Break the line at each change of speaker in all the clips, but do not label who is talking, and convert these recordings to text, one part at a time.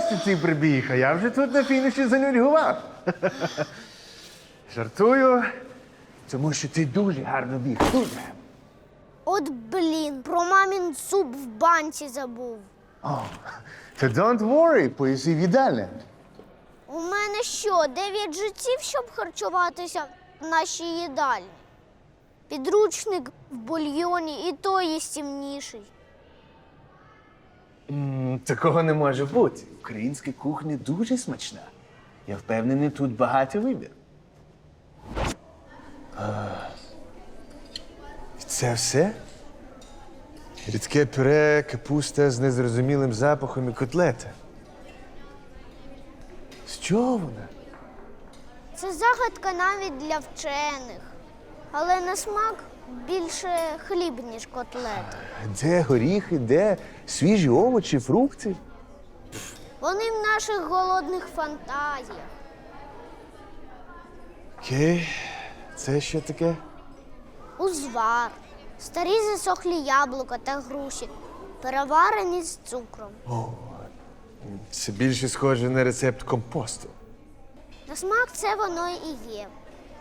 просто ти прибіг, а я вже тут на фініші занудьгував. Жартую, тому що ти дуже гарно біг. Дуже.
От блін, про мамін суп в банці забув.
То don't worry, поїси в їдальні.
У мене що, 9 життів, щоб харчуватися в нашій їдальні? Підручник в бульйоні і той їстівніший.
Такого не може бути. Українська кухня дуже смачна. Я впевнений, тут багато вибір. І це все? Рідке пюре, капуста з незрозумілим запахом і котлета. З чого вона?
Це загадка навіть для вчених. Але на смак більше хліб, ніж котлета.
Де горіхи, де свіжі овочі, фрукти?
Вони в наших голодних фантазіях.
Окей, це що таке?
Узвар, старі засохлі яблука та груші, переварені з цукром.
Це більше схоже на рецепт компосту.
На смак це воно і є.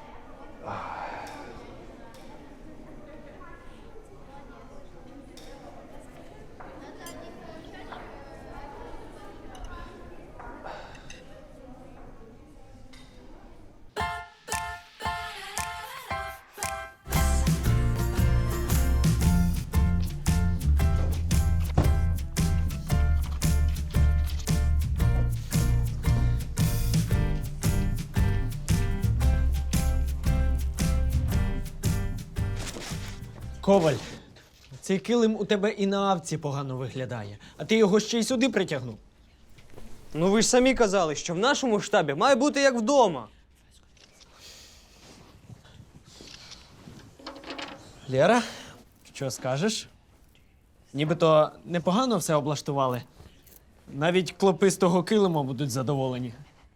Коваль, цей килим у тебе і на авці погано виглядає, а ти його ще й сюди притягнув.
Ну ви ж самі казали, що в нашому штабі має бути як вдома.
Лєра, що скажеш? Нібито непогано все облаштували. Навіть клопи з того килима будуть задоволені.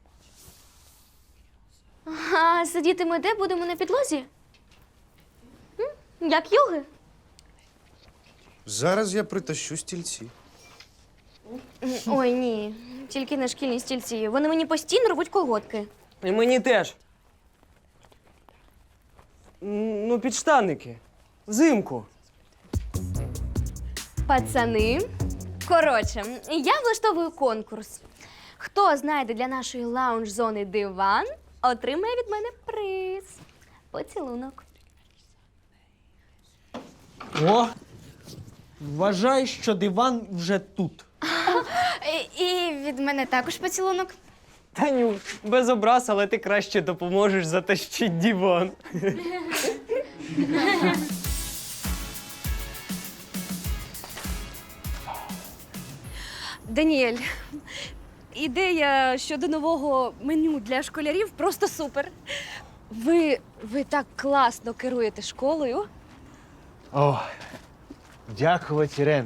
А сидіти ми де будемо на підлозі? Як йоги?
Зараз я притащу стільці.
Ой, ні. Тільки не шкільні стільці. Вони мені постійно рвуть колготки.
І мені теж. Ну, підштанники. Взимку.
Пацани. Коротше, я влаштовую конкурс. Хто знайде для нашої лаунж-зони диван, отримає від мене приз. Поцілунок.
О! Вважай, що диван вже тут.
І від мене також поцілунок.
Таню, без образ, але ти краще допоможеш затащити диван.
Даніель, ідея щодо нового меню для школярів просто супер. Ви так класно керуєте школою.
О, дякувати, Ірен.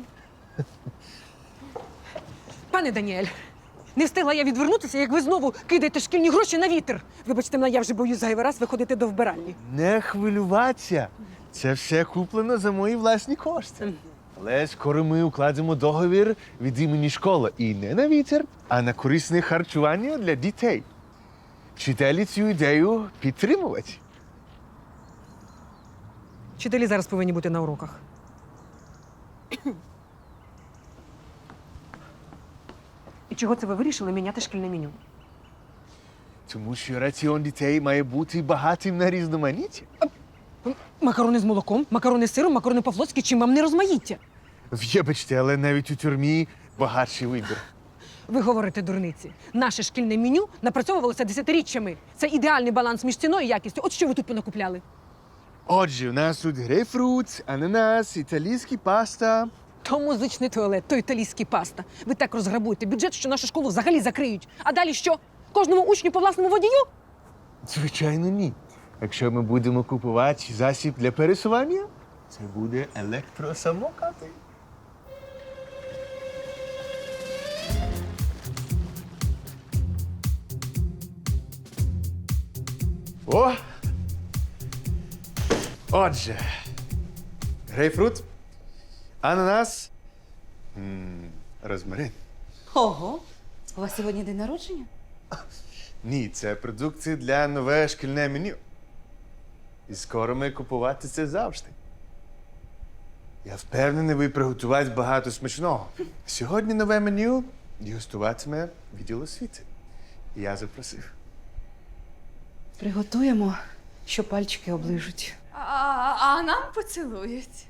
Пане Даніель, не встигла я відвернутися, як ви знову кидаєте шкільні гроші на вітер. Вибачте мене, я вже боюсь зайвий раз виходити до вбиральні.
Не хвилюватися. Це все куплено за мої власні кошти. Але скоро ми укладемо договір від імені школи. І не на вітер, а на корисне харчування для дітей. Вчителі цю ідею підтримувати.
Вчителі зараз повинні бути на уроках. І чого це ви вирішили міняти шкільне меню?
Тому що раціон дітей має бути багатим на різноманіття.
Макарони з молоком, макарони з сиром, макарони по-флотськи, чим вам не розмаїття?
Вибачте, але навіть у тюрмі багатший вибір.
Ви говорите дурниці. Наше шкільне меню напрацьовувалося десятиріччями. Це ідеальний баланс між ціною і якістю. От що ви тут понакупляли?
Отже, у нас тут грейпфрут, ананас, італійська паста.
То музичний туалет, то італійський паста. Ви так розграбуєте бюджет, що нашу школу взагалі закриють. А далі що? Кожному учню по власному водію?
Звичайно, ні. Якщо ми будемо купувати засіб для пересування, це буде електросамокати. О! Отже, грейпфрут, ананас, розмарин.
Ого,
У вас сьогодні день народження?
Ні, це продукція для нове шкільне меню. І скоро ми купувати це завжди. Я впевнений, ви приготувати багато смачного. Сьогодні нове меню і гостуватиме відділ освіти. Я запросив.
Приготуємо, що пальчики оближуть.
А нам поцілують.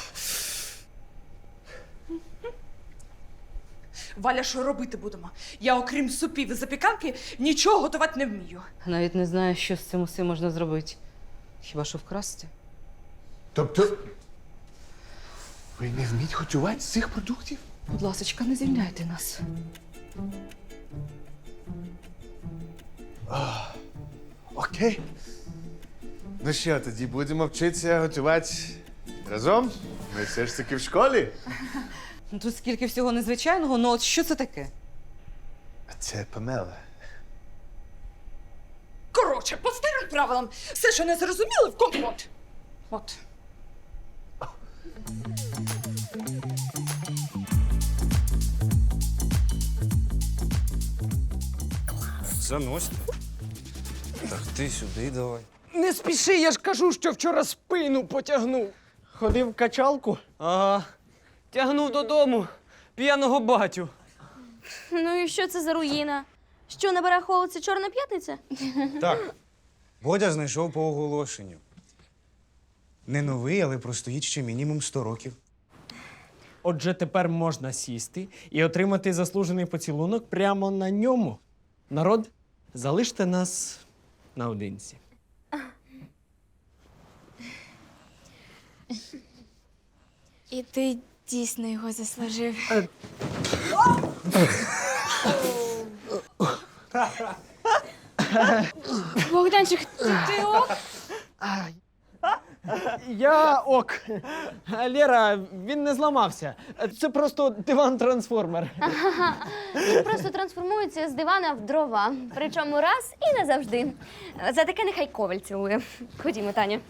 Валя, що робити будемо? Я, окрім супів і запіканки, нічого готувати не вмію.
Навіть не знаю, що з цим усім можна зробити. Хіба що вкрасти?
Тобто, ви не вмієте готувати з цих продуктів?
Будь ласочка, не звільняйте нас.
Окей. Ну що, тоді будемо вчитися готувати разом? Ми все ж таки в школі.
Ну, тут скільки всього незвичайного, ну от що це таке?
А це Памела.
Коротше, по старим правилам, все, що не зрозуміли, в компот. От.
Заносьте. Так ти сюди давай.
Не спіши, я ж кажу, що вчора спину потягнув. Ходив в качалку? Ага. Тягнув додому п'яного батю.
Ну і що це за руїна? Що на барахолці Чорна п'ятниця?
Так. Бодя знайшов по оголошенню. Не новий, але простоїть ще мінімум 100 років.
Отже, тепер можна сісти і отримати заслужений поцілунок прямо на ньому. Народ, залиште нас наодинці.
І ти дійсно його заслужив. Богданчик, ти ок?
Я ок. А Лєра, він не зламався. Це просто диван-трансформер.
Він просто трансформується з дивана в дрова. Причому раз і назавжди. За таке нехай Коваль цілує. Ходімо, Таня.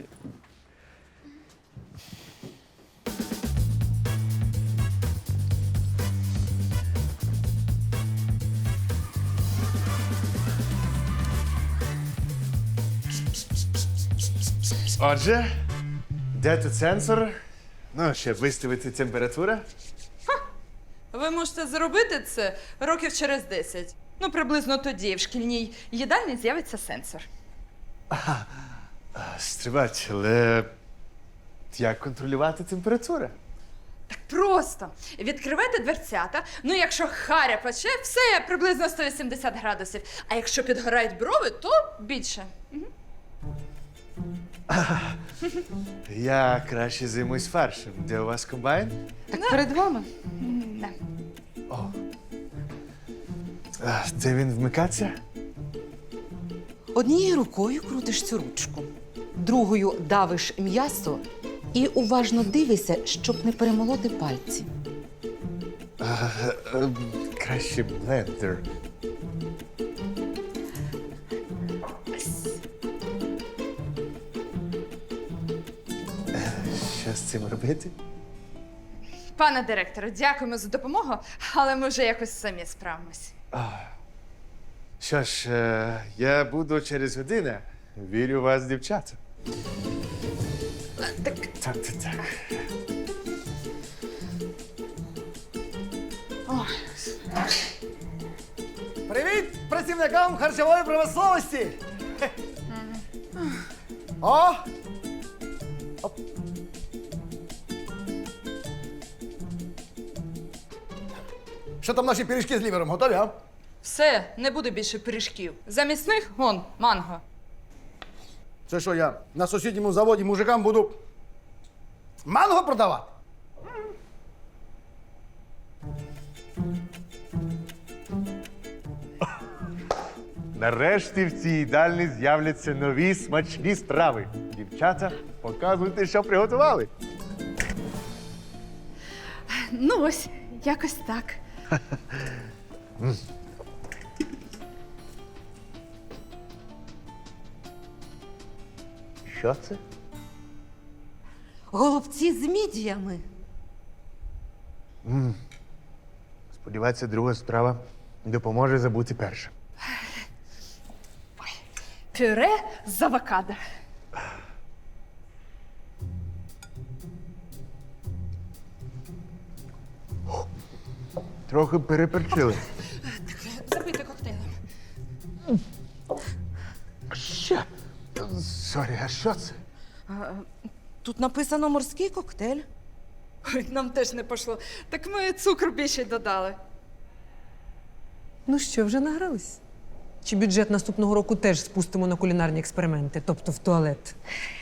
Отже, де тут сенсор? Ну, щоб виставити температуру.
Ви можете зробити це років через 10. Ну, приблизно тоді в шкільній їдальні з'явиться сенсор.
Стривайте, але як контролювати температуру?
Так просто. Відкривайте дверцята. Ну, якщо харя пече, все приблизно 180 градусів. А якщо підгорають брови, то більше.
Я краще займусь фаршем. Де у вас комбайн?
Так перед вами.
Не.
Де він вмикаться?
Однією рукою крутиш цю ручку, другою давиш м'ясо і уважно дивишся, щоб не перемолоти пальці.
Краще блендер. Що з цим робити?
Пане директоре, дякуємо за допомогу, але ми вже якось самі справимось.
Що ж, я буду через годину. Вірю в вас, дівчата. Так.
Привіт працівникам харчової промисловості! О! Оп. Що там наші пиріжки з лівером? Готові, а?
Все, не буде більше пиріжків. Замість них, вон, манго.
Це що, я на сусідньому заводі мужикам буду манго продавати?
Нарешті в цій їдальні з'являться нові смачні страви. Дівчата, показуйте, що приготували.
Ну ось, якось так.
Що це?
Голубці з мідіями.
Сподівається, друга страва допоможе забути перше.
Пюре з авокадо.
Трохи переперчили.
Запийте коктейлем.
Ще? Сорі, а що це?
Тут написано морський коктейль.
Ой, нам теж не пошло. Так ми цукру більше додали.
Ну що, вже награлись? Чи бюджет наступного року теж спустимо на кулінарні експерименти, тобто в туалет?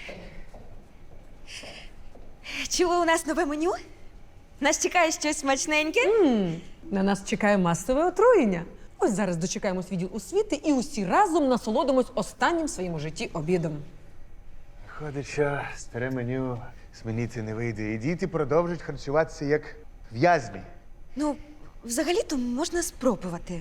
Чули у нас нове меню? Нас чекає щось смачненьке?
На нас чекає масове отруєння. Ось зараз дочекаємось відділ освіти і усі разом насолодимось останнім в своєму житті обідом.
Виходить, що старе меню змінити не вийде. І діти продовжують харчуватися як в'язні.
Ну, взагалі-то можна спробувати.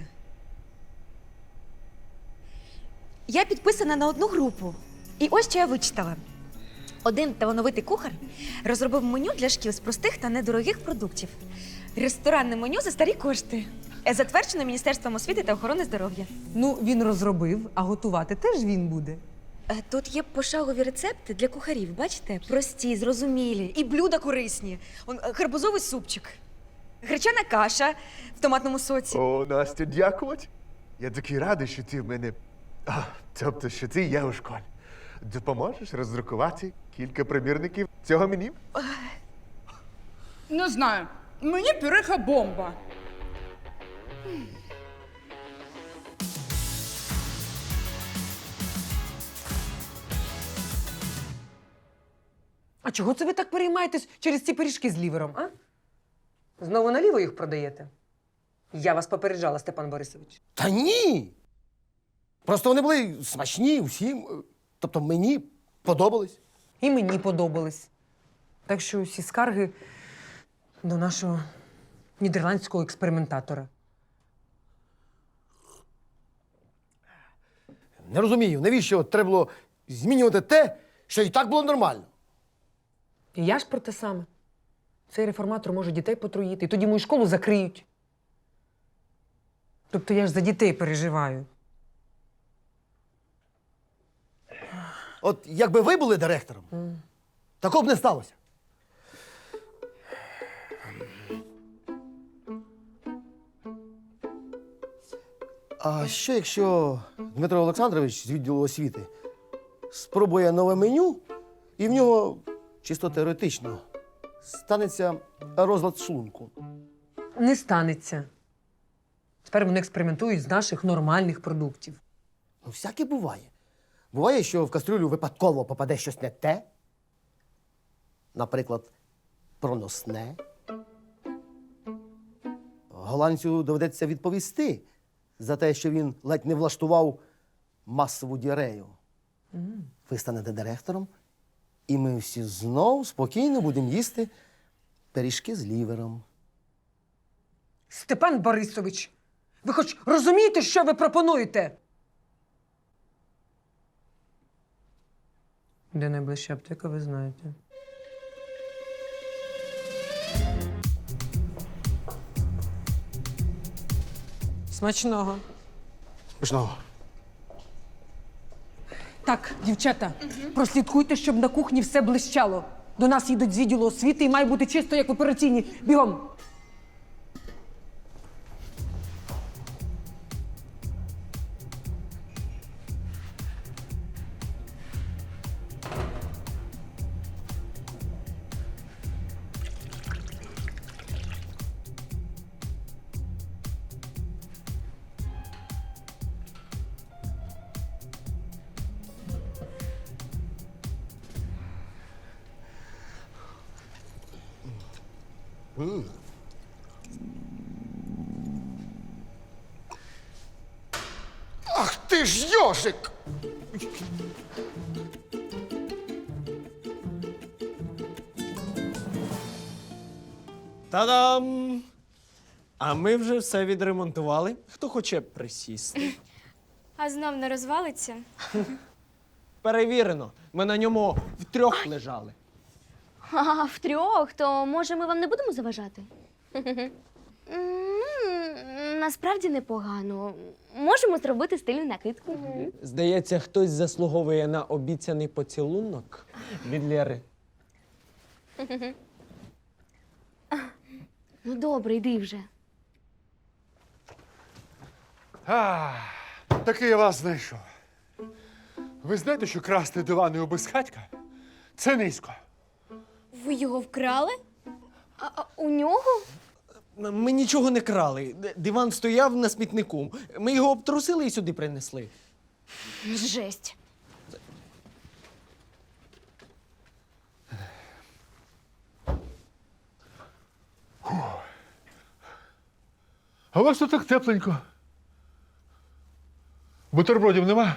Я підписана на одну групу. І ось що я вичитала. Один талановитий кухар розробив меню для шкіл з простих та недорогих продуктів. Ресторанне меню за старі кошти. Затверджено Міністерством освіти та охорони здоров'я.
Ну, він розробив, а готувати теж він буде.
Тут є пошагові рецепти для кухарів, бачите? Прості, зрозумілі. І блюда корисні. Гарбузовий супчик, гречана каша в томатному соці.
О, Настя, дякувати. Я такий радий, що ти в мене. Тобто, що ти є у школі. Допоможеш роздрукувати кілька примірників цього меню?
Не знаю. Мені пюреха бомба.
А чого це ви так переймаєтесь через ці пиріжки з лівером, а? Знову наліво їх продаєте? Я вас попереджала, Степан Борисович.
Та ні. Просто вони були смачні всім. Тобто мені подобались.
І мені подобались. Так що усі скарги до нашого нідерландського експериментатора.
Не розумію, навіщо треба було змінювати те, що і так було нормально.
І я ж про те саме. Цей реформатор може дітей потруїти, і тоді мою школу закриють. Тобто я ж за дітей переживаю.
От якби ви були директором, такого б не сталося. А що, якщо Дмитро Олександрович з відділу освіти спробує нове меню, і в нього, чисто теоретично, станеться розлад шлунку?
Не станеться. Тепер вони експериментують з наших нормальних продуктів.
Ну, всяке буває. Буває, що в кастрюлю випадково попаде щось не те. Наприклад, проносне. Голландцю доведеться відповісти за те, що він ледь не влаштував масову діарею. Ви станете директором, і ми всі знов спокійно будемо їсти пиріжки з лівером.
Степан Борисович, ви хоч розумієте, що ви пропонуєте? Де найближча аптека, ви знаєте. Смачного.
Пішного.
Так, дівчата, прослідкуйте, щоб на кухні все блищало. До нас їдуть з відділу освіти і має бути чисто, як в операційній. Бігом!
Ах ти ж йожик!
Та-дам! А ми вже все відремонтували. Хто хоче присісти?
А знов не розвалиться?
Перевірено. Ми на ньому втрьох лежали.
А втрьох, то може ми вам не будемо заважати?
насправді непогано. Можемо зробити стильну накидку.
Здається, хтось заслуговує на обіцяний поцілунок від Лєри.
Ну добре, йди вже.
Таки я вас знайшов. Ви знаєте, що красти дивани у безхатька – це низько.
Ви його вкрали? А у нього?
Ми нічого не крали. Диван стояв на смітнику. Ми його обтрусили і сюди принесли.
Жесть.
А у вас тут так тепленько. Бутербродів нема?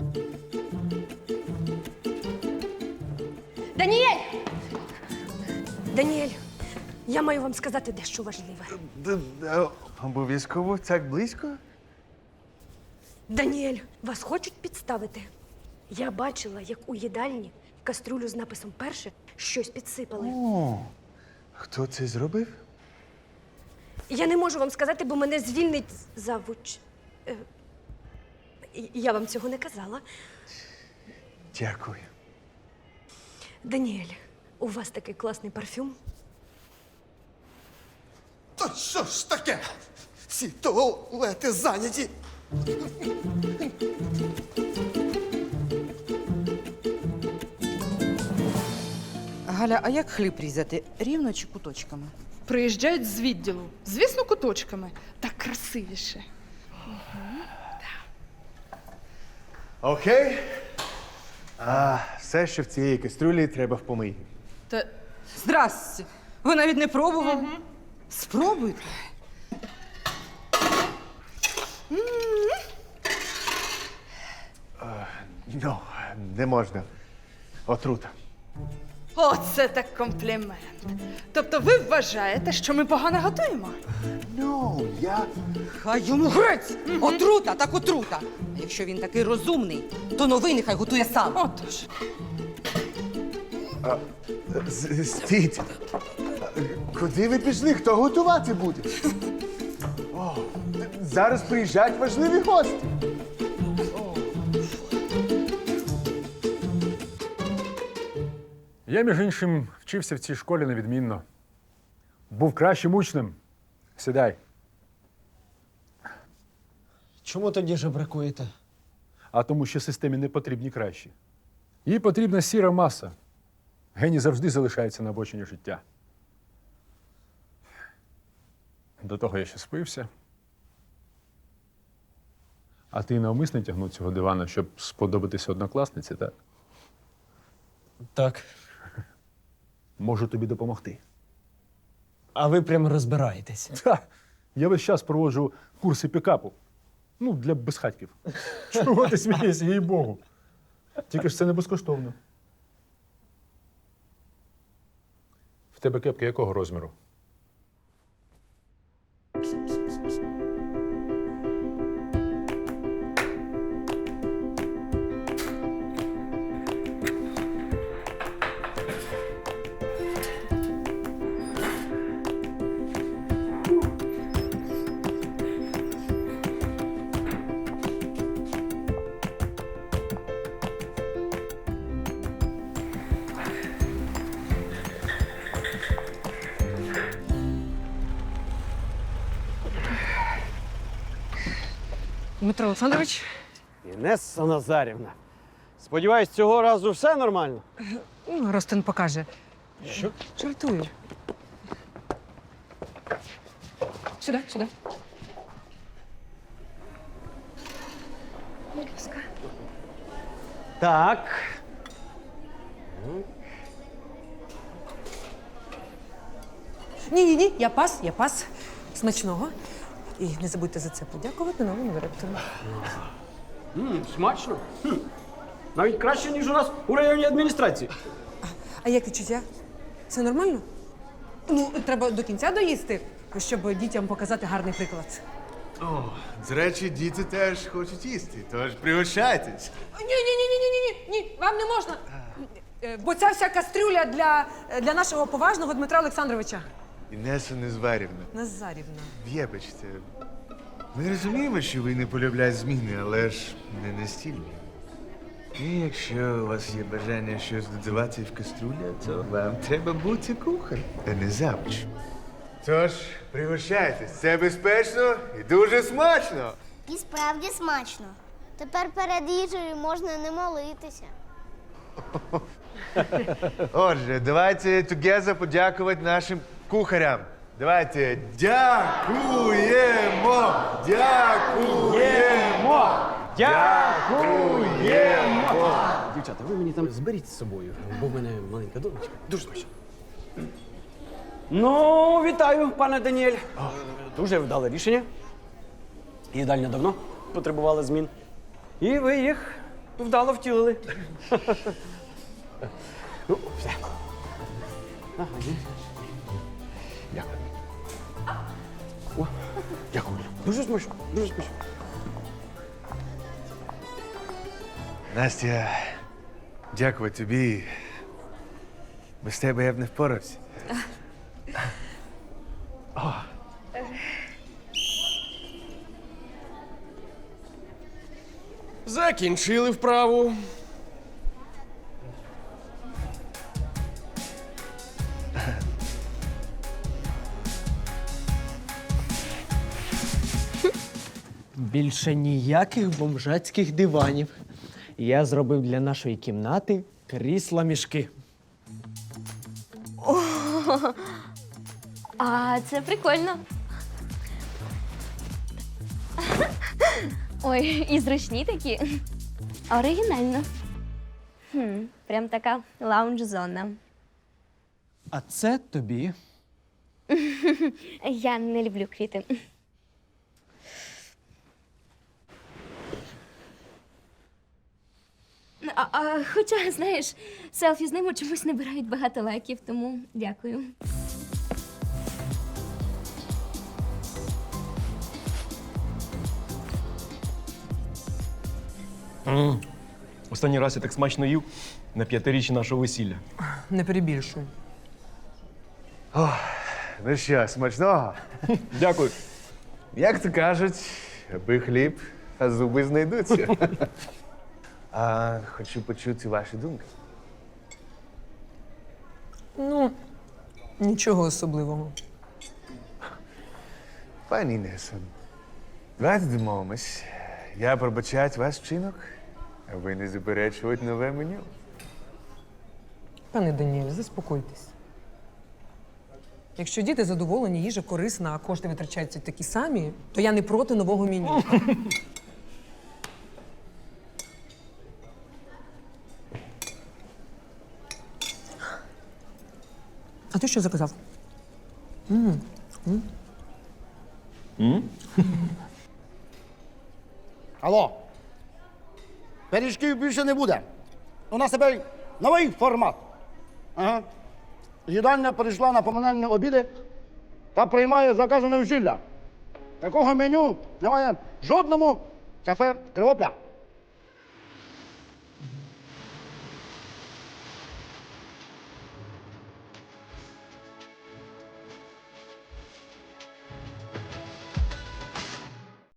Даніель! Даніель, я маю вам сказати дещо важливе.
Обов'язково так близько?
Даніель, вас хочуть підставити. Я бачила, як у їдальні в каструлю з написом «Перше» щось підсипали.
О, хто це зробив?
Я не можу вам сказати, бо мене звільнить завуч. Я вам цього не казала.
Дякую.
Даніель, у вас такий класний парфюм.
Та що ж таке? Всі туалети зайняті.
Галя, а як хліб різати? Рівно чи куточками?
Приїжджають з відділу. Звісно, куточками. Так красивіше.
Окей. Все, що в цієї кастрюлі, треба в помийні.
Та здрасте. Ви навіть не пробували? Спробуйте.
Ну, не можна. Отрута.
Оце так комплімент. Тобто ви вважаєте, що ми погано готуємо?
Ну, я...
Хай йому грець! Отрута, так отрута. А якщо він такий розумний, то новий нехай готує сам.
Отож.
Стійте. Куди ви пішли? Хто готувати буде? О, зараз приїжджають важливі гості.
Я, між іншим, вчився в цій школі невідмінно. Був кращим учнем. Сідай.
Чому тоді жебракуєте?
А тому, що системі не потрібні кращі. Їй потрібна сіра маса. Геній завжди залишається на обочині життя. До того я ще спився. А ти навмисно тягнув цього дивана, щоб сподобатися однокласниці, так?
Так.
Можу тобі допомогти.
А ви прямо розбираєтесь.
Та, я весь час проводжу курси пікапу. Ну, для безхатьків. Чого ти смієшся, їй-богу? Тільки ж це не безкоштовно. В тебе кепки якого розміру?
Дмитро Олександрович,
Інесса Назарівна. Сподіваюсь, цього разу все нормально?
Ростин покаже.
Що?
Жартую. Сюди, сюди.
Так.
Ні, я пас. Смачного. І не забудьте за це подякувати новому директору.
Смачно. Навіть краще, ніж у нас у районній адміністрації.
А як відчуття? Це нормально? Ну, треба до кінця доїсти, щоб дітям показати гарний приклад.
О, до речі, діти теж хочуть їсти, тож пригощайтесь.
Ні, вам не можна. Бо ця вся кастрюля для нашого поважного Дмитра Олександровича.
Інеса Незварівна,
Назарівна.
вибачте. Ми розуміємо, що ви не полюбляєте зміни, але ж не настільки. І якщо у вас є бажання щось додавати в каструлю, то вам треба бути кухарем, а не завуч. Тож, пригощайтесь, це безпечно і дуже смачно.
І справді смачно. Тепер перед їжею можна не молитися.
Отже, давайте together подякувати нашим кухарям. Давайте дякуємо! Дякуємо! Дякуємо!
Дівчата, ви мені там зберіть з собою, бо в мене маленька донечка. Дуже смачно. Ну, вітаю, пане Даніель. Дуже вдале рішення. Їдальня давно потребувала змін. І ви їх вдало втілили. Ну, все. Ага, ні. Дякую. О, дякую. Дуже смачно, дуже смачно.
Настя, дякую тобі. Без тебе я б не впорався.
Закінчили вправу.
Більше ніяких бомжацьких диванів. Я зробив для нашої кімнати крісла-мішки.
А це прикольно. Ой, і зручні такі. Оригінально. Прям така лаунж-зона.
А це тобі.
Я не люблю квіти. Хоча, знаєш, селфі з ними чомусь набирають багато лайків, тому дякую.
Останній раз я так смачно їв на 5-річчя нашого весілля.
Не перебільшуй.
Ну що, смачного?
Дякую.
Як то кажуть, аби хліб, а зуби знайдуться. А хочу почути ваші думки.
Ну, нічого особливого.
Пані Інесо, давайте домовимось. Я пробачаю ваш вчинок, а ви не заперечуєте нове меню.
Пане Даніель, заспокойтесь. Якщо діти задоволені, їжа корисна, а кошти витрачаються такі самі, то я не проти нового меню. А ти що заказав?
Алло. Пиріжків більше не буде. У нас тепер новий формат. Ага. Їдальня перейшла на поминальні обіди та приймає заказане весілля. Такого меню немає в жодному кафе Кривопля.